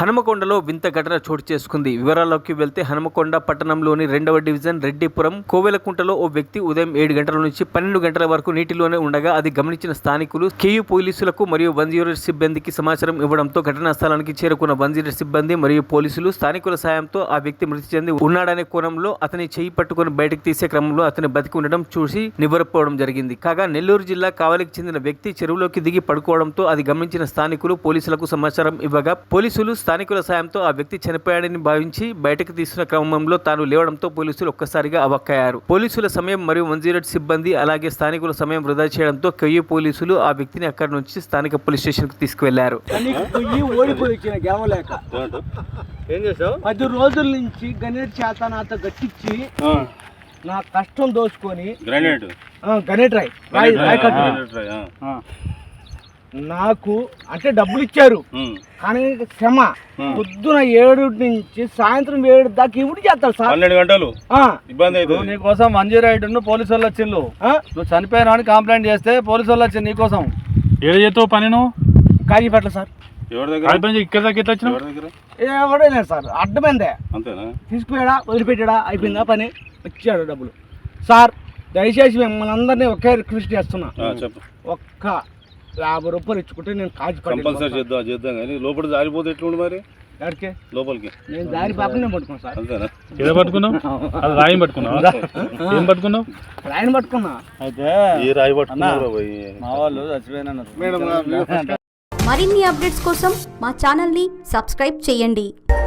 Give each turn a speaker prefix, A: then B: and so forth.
A: హనుమకొండలో వింత ఘటన చోటు చేసుకుంది. వివరాల్లోకి వెళ్తే హనుమకొండ పట్టణంలోని 2వ డివిజన్ రెడ్డిపురం కోవెలకుంటలో ఓ వ్యక్తి ఉదయం 7 గంటల నుంచి 12 గంటల వరకు నీటిలోనే ఉండగా అది గమనించిన స్థానికులు కేయూ పోలీసులకు మరియు 108 సిబ్బందికి సమాచారం ఇవ్వడంతో ఘటనా స్థలానికి చేరుకున్న 108 సిబ్బంది మరియు పోలీసులు స్థానికుల సాయంతో ఆ వ్యక్తి మృతి చెంది ఉన్నాడనే కోణంలో అతని చేయి పట్టుకుని బయటకు తీసే క్రమంలో అతని బతికి ఉండడం చూసి నివ్వెరపోవడం జరిగింది. కాగా నెల్లూరు జిల్లా కావలికి చెందిన వ్యక్తి చెరువులోకి దిగి పడుకోవడంతో అది గమనించిన స్థానికులు పోలీసులకు సమాచారం ఇవ్వగా పోలీసులు స్థానికుల సాయంతో ఆ వ్యక్తి చనిపోయాడని భావించి బయటకు తీస్తున్న క్రమంలో తాను లేవడంతో పోలీసులు ఒక్కసారిగా అవాక్కయ్యారు. పోలీసుల సమయం మరియు 108 సిబ్బంది అలాగే స్థానికుల సమయం వృధా చేయడంతో కేయూ పోలీసులు ఆ వ్యక్తిని అక్కడి నుంచి స్థానిక పోలీస్ స్టేషన్ కు తీసుకువెళ్లారు.
B: 10 రోజుల నుంచి గణేట్ చేత నాతో గట్టించి నా కష్టం దోచుకొని గణేట్ నాకు అంటే డబ్బులు ఇచ్చారు కానీ క్షమ పొద్దున 7 నుంచి సాయంత్రం 7 దాకా ఇవి చేస్తారు సార్.
C: 12 గంటలు ఇబ్బంది అవుతుంది.
D: నీకోసం 108 పోలీసు వాళ్ళు వచ్చిండు. నువ్వు చనిపోయినా అని కంప్లైంట్ చేస్తే పోలీసు వాళ్ళు వచ్చింది నీకోసం.
C: ఏడు చేస్తావు పని నువ్వు?
B: కాజీపేటలో సార్.
C: ఎవరి దగ్గర ఇక్కడ దగ్గర వచ్చిన
B: ఎవడే లేదు సార్, అడ్డమైందే.
C: అంతేనా?
B: తీసుకుపోయాడా వదిలిపెట్టాడా అయిపోయిందా పని, వచ్చాడు డబ్బులు. సార్ దయచేసి మిమ్మల్ని అందరినీ ఒకే రిక్వెస్ట్ చేస్తున్నా, ఒక్క 50 రూపాయలు ఇచ్చుకుంటే నేను
C: కంపల్సరీ చేద్దాం కానీ లోపల జారిపోతే ఎట్లుండి మరి
B: ఎక్కడికి లోపలికి
C: నేను
B: దారి పాపనే పట్టుకున్నా సార్.
C: అంతేనా? ఏదో పట్టుకున్నావు? అది రాయి పట్టుకున్నావు? ఏం పట్టుకున్నావు?
B: రాయిని పట్టుకున్నా.
D: అయితే
C: ఏ రాయి పట్టుకున్నావు?
D: మా వాళ్ళు చచ్చిపోయినా.
E: మరిన్ని అప్డేట్స్ కోసం మా ఛానల్ని సబ్స్క్రైబ్ చేయండి.